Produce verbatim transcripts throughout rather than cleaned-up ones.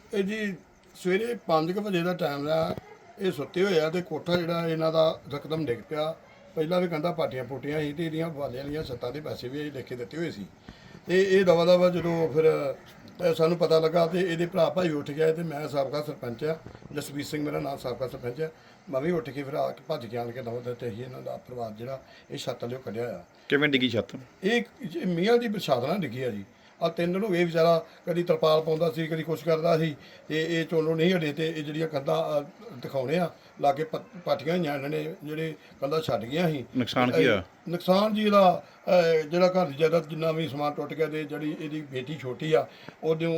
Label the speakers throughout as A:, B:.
A: ਇਹ ਜੀ ਸਵੇਰੇ ਪੰਜ ਕੁ ਵਜੇ ਦਾ ਟਾਈਮ ਆ। ਇਹ ਸੁੱਤੇ ਹੋਏ ਆ ਤੇ ਕੋਠਾ ਜਿਹੜਾ ਇਹਨਾਂ ਦਾ ਰਕਦਮ ਡਿੱਗ ਪਿਆ। ਪਹਿਲਾਂ ਵੀ ਕਹਿੰਦਾ ਪਾਟੀਆਂ ਪੋਟੀਆਂ ਸੀ ਤੇ ਇਹਦੀਆਂ ਵਾਲਿਆਂ ਦੀਆਂ ਸੱਤਾਂ ਦੇ ਪੈਸੇ ਵੀ ਅਸੀਂ ਲਿਖ ਕੇ ਦਿੱਤੇ ਹੋਏ ਸੀ। ਤੇ ਇਹ ਦਵਾ ਦਵਾ ਜਦੋਂ ਫਿਰ ਅ, ਸਾਨੂੰ ਪਤਾ ਲੱਗਾ ਤੇ ਇਹਦੇ ਭਰਾ ਭਾਈ ਉੱਠ ਗਿਆ ਤੇ ਮੈਂ ਸਾਬਕਾ ਸਰਪੰਚ ਆ, ਜਸਵੀਰ ਸਿੰਘ ਮੇਰਾ ਨਾਮ, ਸਾਬਕਾ ਸਰਪੰਚ ਆ। ਮੈਂ ਵੀ ਉੱਠ ਕੇ ਫਿਰ ਆ ਕੇ ਭੱਜ ਕੇ ਆਣ ਕੇ ਦਵਾ ਦਿੱਤੇ ਸੀ ਇਹਨਾਂ ਦਾ ਪਰਿਵਾਰ ਜਿਹੜਾ ਇਹ ਛੱਤ ਲਿਓ ਕੱਢਿਆ ਆ।
B: ਕਿਵੇਂ ਡਿੱਗੀ ਛੱਤ?
A: ਇਹ ਇਹ ਮੀਆਂ ਦੀ ਪ੍ਰਸ਼ਾਦ ਨਾਲ ਡਿੱਗੀ ਆ ਜੀ। ਆ ਤਿੰਨ ਦਿਨ ਹੋ ਗਏ ਵਿਚਾਰਾ ਕਦੀ ਤਰਪਾਲ ਪਾਉਂਦਾ ਸੀ, ਕਦੀ ਕੁਛ ਕਰਦਾ ਸੀ ਤੇ ਇਹ ਚੋਲੋ ਨਹੀਂ ਹਟੇ ਤੇ ਇਹ ਜਿਹੜੀਆਂ ਕੰਧਾਂ ਦਿਖਾਉਣੇ ਆ ਲਾਗੇ ਪਾਟੀਆਂ ਹੋਈਆਂ ਇਹਨਾਂ ਨੇ, ਜਿਹੜੇ ਕੰਧਾਂ ਛੱਡ ਗਈਆਂ ਸੀ।
B: ਨੁਕਸਾਨ ਕੀ ਹੋਇਆ?
A: ਨੁਕਸਾਨ ਜੀ ਇਹਦਾ ਅਹ, ਜਿਹੜਾ ਘਰ ਦੀ ਜਾਇਦਾਦ ਜਿੰਨਾ ਵੀ ਸਮਾਨ ਟੁੱਟ ਗਿਆ ਤੇ ਜਿਹੜੀ ਇਹਦੀ ਬੇਟੀ ਛੋਟੀ ਆ ਉਹਨੂੰ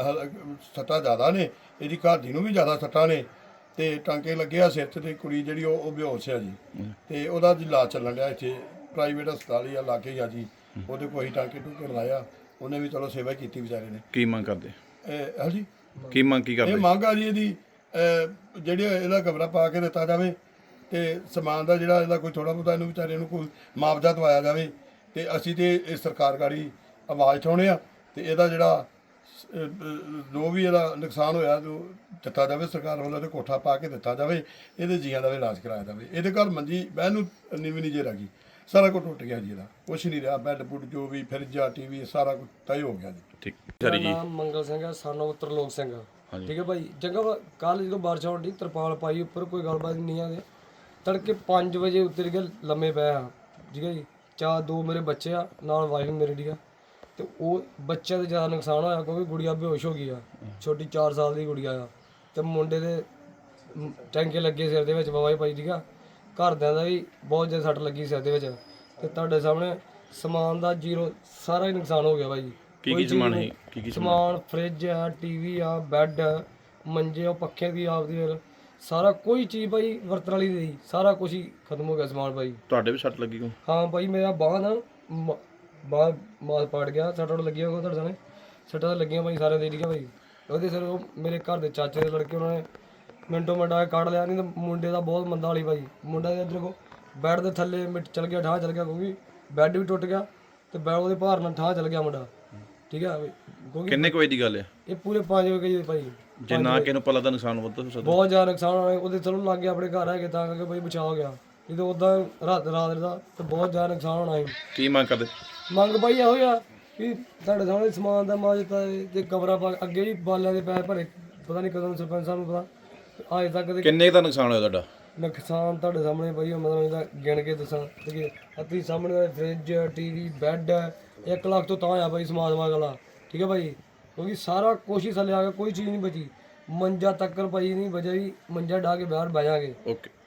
A: ਸੱਟਾਂ ਜ਼ਿਆਦਾ ਨੇ, ਇਹਦੀ ਘਰ ਦੀ ਨੂੰ ਵੀ ਜ਼ਿਆਦਾ ਸੱਟਾਂ ਨੇ ਤੇ ਟਾਂਕੇ ਲੱਗੇ ਆ ਸਿਰ 'ਚ ਤੇ ਕੁੜੀ ਜਿਹੜੀ ਉਹ ਉਹ ਬੇਹੋਸ਼ ਆ ਜੀ। ਤੇ ਉਹਦਾ ਜੀ ਇਲਾਜ ਚੱਲਣ ਡਿਆ ਇੱਥੇ ਪ੍ਰਾਈਵੇਟ ਹਸਪਤਾਲ ਹੀ ਆ ਲਾਗੇ ਹੀ ਆ ਜੀ। ਉਹਦੇ ਕੋਈ ਟਾਂਕੇ ਟੂਕੇ ਲਾਇਆ, ਉਹਨੇ ਵੀ ਚਲੋ ਸੇਵਾ ਕੀਤੀ ਵਿਚਾਰੇ ਨੇ।
B: ਕੀ ਮੰਗ ਕਰਦੇ?
A: ਇਹ ਹਾਂਜੀ
B: ਕੀ ਮੰਗ ਕੀ
A: ਇਹ
B: ਕਰਦੇ?
A: ਮੰਗ ਆ ਜੀ ਇਹਦੀ ਅਹ, ਜਿਹੜੀ ਇਹਦਾ ਕਮਰਾ ਪਾ ਕੇ ਦਿੱਤਾ ਜਾਵੇ ਤੇ ਸਮਾਨ ਦਾ ਜਿਹੜਾ ਇਹਦਾ ਕੋਈ ਥੋੜਾ ਬਹੁਤਾ ਇਹਨੂੰ ਵਿਚਾਰੇ ਨੂੰ ਕੋਈ ਮੁਆਵਜ਼ਾ ਦਵਾਇਆ ਜਾਵੇ। ਤੇ ਅਸੀਂ ਤੇ ਇਹ ਸਰਕਾਰ ਗਾੜੀ ਆਵਾਜ਼ ਉਠਾਉਣੇ ਆ ਤੇ ਇਹਦਾ ਜਿਹੜਾ ਅਹ, ਅਹ, ਜੋ ਵੀ ਇਹਦਾ ਨੁਕਸਾਨ ਹੋਇਆ ਜੋ ਦਿੱਤਾ ਜਾਵੇ ਸਰਕਾਰ ਵੱਲੋਂ, ਤੇ ਕੋਠਾ ਪਾ ਕੇ ਦਿੱਤਾ ਜਾਵੇ, ਇਹਦੇ ਜੀਆਂ ਦਾ ਵੀ ਇਲਾਜ ਕਰਾਇਆ ਜਾਵੇ। ਇਹਦੇ ਘਰ ਮੰਜੀ ਬਹਿਣ ਨੂੰ ਨੀਵੀਂ ਨਹੀਂ ਜੇ ਰਹਿ ਸਾਰਾ ਕੁਝ ਟੁੱਟ ਗਿਆ ਜੀ, ਇਹਦਾ ਕੁਛ ਨਹੀਂ ਰਿਹਾ। ਬੈੱਡ ਬੁੱਡ ਜੋ ਵੀ ਫਰਿੱਜਾ ਟੀਵੀ ਸਾਰਾ ਕੁਝ ਤੈ ਹੋ ਗਿਆ ਜੀ।
B: ਠੀਕ
C: ਮੇਰਾ
B: ਸਾਰੀ ਜੀ।
C: ਨਾਮ ਮੰਗਲ ਸਿੰਘ ਹੈ, ਸਾਨੂੰ ਤਰਲੋਕ ਸਿੰਘ ਆ। ਠੀਕ ਹੈ ਭਾਈ, ਚੰਗਾ ਕੱਲ ਜਦੋਂ ਬਾਰਿਸ਼ ਹੋਣ ਦੀ ਤਰਪਾਲ ਪਾਈ ਉੱਪਰ, ਕੋਈ ਗੱਲਬਾਤ ਨਹੀਂ ਆ। ਤੜਕੇ ਪੰਜ ਵਜੇ ਉੱਤਰ ਕੇ ਲੰਮੇ ਪਏ ਆ। ਠੀਕ ਹੈ ਜੀ, ਚਾਰ ਦੋ ਮੇਰੇ ਬੱਚੇ ਆ ਨਾਲ ਵਾਈਫ ਮੇਰੀ। ਠੀਕ ਆ, ਤੇ ਉਹ ਬੱਚਿਆਂ ਦਾ ਜ਼ਿਆਦਾ ਨੁਕਸਾਨ ਹੋਇਆ ਕਿਉਂਕਿ ਗੁੜੀਆ ਬੇਹੋਸ਼ ਹੋ ਗਈ ਆ, ਛੋਟੀ ਚਾਰ ਸਾਲ ਦੀ ਗੁੜੀਆ ਆ। ਤੇ ਮੁੰਡੇ ਦੇ ਮ, ਟੈਂਕੇ ਲੱਗੇ ਸਿਰ ਦੇ ਵਿੱਚ ਬਵਾਈ ਪਾਈ। ਠੀਕ ਆ, ਘਰਦਿਆਂ ਦਾ ਵੀ ਬਹੁਤ ਜ਼ਿਆਦਾ ਸੱਟ ਲੱਗੀ ਸਿਰ ਦੇ ਵਿੱਚ। ਤੇ ਤੁਹਾਡੇ ਸਾਹਮਣੇ ਸਮਾਨ ਦਾ ਜ਼ੀਰੋ ਸਾਰਾ ਹੀ ਨੁਕਸਾਨ ਹੋ ਗਿਆ ਭਾਈ।
B: ਕੀ ਕੀ ਸਮਾਨ ਹੈ? ਕੀ ਕੀ
C: ਸਮਾਨ ਫਰਿੱਜ ਆ, ਟੀਵੀ ਆ, ਬੈੱਡ, ਮੰਜੇ, ਉਹ ਪੱਖੇ ਵੀ ਆਪਦੀ ਫਿਰ ਸਾਰਾ ਕੋਈ ਚੀਜ਼ ਭਾਈ ਵਰਤਣ ਵਾਲੀ ਨਹੀਂ, ਸਾਰਾ ਕੁਝ ਹੀ ਖਤਮ ਹੋ ਗਿਆ ਸਮਾਨ ਭਾਈ।
B: ਤੁਹਾਡੇ ਵੀ ਸੱਟ ਲੱਗੀ ਕੋ?
C: ਹਾਂ ਭਾਈ, ਮੇਰਾ ਬਾਂਹ ਨਾ ਮ- ਬਾਂਹ ਮਾਸ ਪਾੜ ਗਿਆ, ਸੱਟਾਂ ਲੱਗੀਆਂ ਕੋ ਤੁਹਾਡੇ ਸਾਹਮਣੇ ਸੱਟਾਂ ਤਾਂ ਲੱਗੀਆਂ ਭਾਈ ਸਾਰਿਆਂ ਦੇ। ਠੀਕ ਆ ਭਾਈ, ਉਹਦੇ ਸਿਰ ਉਹ ਮੇਰੇ ਘਰ ਦੇ ਚਾਚੇ ਦੇ ਲੜਕੇ ਉਹਨਾਂ ਨੇ ਮਿੰਟੋ ਮਿੰਟ ਆ ਕੇ ਕੱਢ ਲਿਆ। ਨਹੀਂ ਤਾਂ ਮੁੰਡੇ ਦਾ ਬਹੁਤ ਮੰਦਾ ਵਾਲੀ ਭਾਈ। ਮੁੰਡਾ ਦੇ ਇੱਧਰ ਕੋ ਬੈੱਡ ਦੇ ਥੱਲੇ ਮਿੱਟ ਚਲ ਗਿਆ, ਠਾਹ ਚਲ ਗਿਆ ਕਿਉਂਕਿ ਬੈੱਡ ਵੀ ਟੁੱਟ ਗਿਆ ਤੇ ਬੈੱਡ ਉਹਦੇ ਭਾਰ ਨਾਲ ਠਾਹ ਚਲ ਗਿਆ ਮੁੰਡਾ। ਠੀਕ ਆ, ਕਿਉਂਕਿ
B: ਕਿੰਨੇ ਕੁ ਵਜੇ ਦੀ ਗੱਲ ਹੈ?
C: ਇਹ ਪੂਰੇ ਪੰਜ ਵਜੇ ਭਾਈ।
B: ਜੇ ਨਾ ਕਿਸੇ ਨੂੰ ਪਤਾ ਤਾਂ ਨੁਕਸਾਨ ਵੱਧ ਹੋ ਸਕਦਾ।
C: ਬਹੁਤ ਜ਼ਿਆਦਾ ਨੁਕਸਾਨ ਹੋਇਆ। ਉਹਦੇ ਚਲੋ ਲੱਗ ਗਿਆ ਆਪਣੇ ਘਰ ਹੈਗੇ ਤਾਂ ਕਰਕੇ ਭਾਈ ਬਚਾ ਹੋ ਗਿਆ, ਨਹੀਂ ਤਾਂ ਉਦਾਂ ਰਾਤ ਰਾਤ ਦਾ ਤੇ ਬਹੁਤ ਜ਼ਿਆਦਾ ਨੁਕਸਾਨ ਹੋਣਾ ਸੀ।
B: ਕੀ ਮੰਗ ਕਰਦੇ?
C: ਮੰਗ ਭਾਈ ਇਹੋ ਆ ਵੀ ਤੁਹਾਡੇ ਸਾਹਮਣੇ ਸਮਾਨ ਦਾ ਮਾਜ ਦਿੱਤਾ ਤੇ ਕਮਰਾ ਪਾ ਅੱਗੇ ਵੀ ਬਾਲਿਆਂ ਦੇ ਪੈਸੇ ਭਰੇ, ਪਤਾ ਨਹੀਂ ਕਦੋਂ ਸਰਪੰਚ ਸਾਹਿਬ ਨੂੰ ਪਤਾ ਅਜੇ ਤੱਕ।
B: ਕਿੰਨੇ ਕੁ ਦਾ ਨੁਕਸਾਨ ਹੋਇਆ ਤੁਹਾਡਾ?
C: ਨੁਕਸਾਨ ਤੁਹਾਡੇ ਸਾਹਮਣੇ ਭਾਈ ਮਤਲਬ ਇਹਦਾ ਗਿਣ ਕੇ ਦੱਸਾਂ ਕਿ ਅੱਤੀ ਸਾਹਮਣੇ ਫਰਿੱਜ, ਟੀਵੀ, ਬੈੱਡ ਇੱਕ ਲੱਖ ਤੋਂ ਤਾਂ ਆ ਭਾਈ ਸਮਾਨ ਸਮਾਨ ਵਾਲਾ। ਠੀਕ ਹੈ ਭਾਈ, ਕਿਉਂਕਿ ਸਾਰਾ ਕੁਛ ਹੀ ਥੱਲੇ ਆ ਗਿਆ, ਕੋਈ ਚੀਜ਼ ਨਹੀਂ ਬਚੀ। ਮੰਜਾ ਤੱਕਰ ਭਾਈ ਨਹੀਂ ਬਚਿਆ ਜੀ, ਮੰਜਾ ਢਾ ਕੇ ਬਾਹਰ ਬਹਿ ਜਾਗੇ।
B: ਓਕੇ।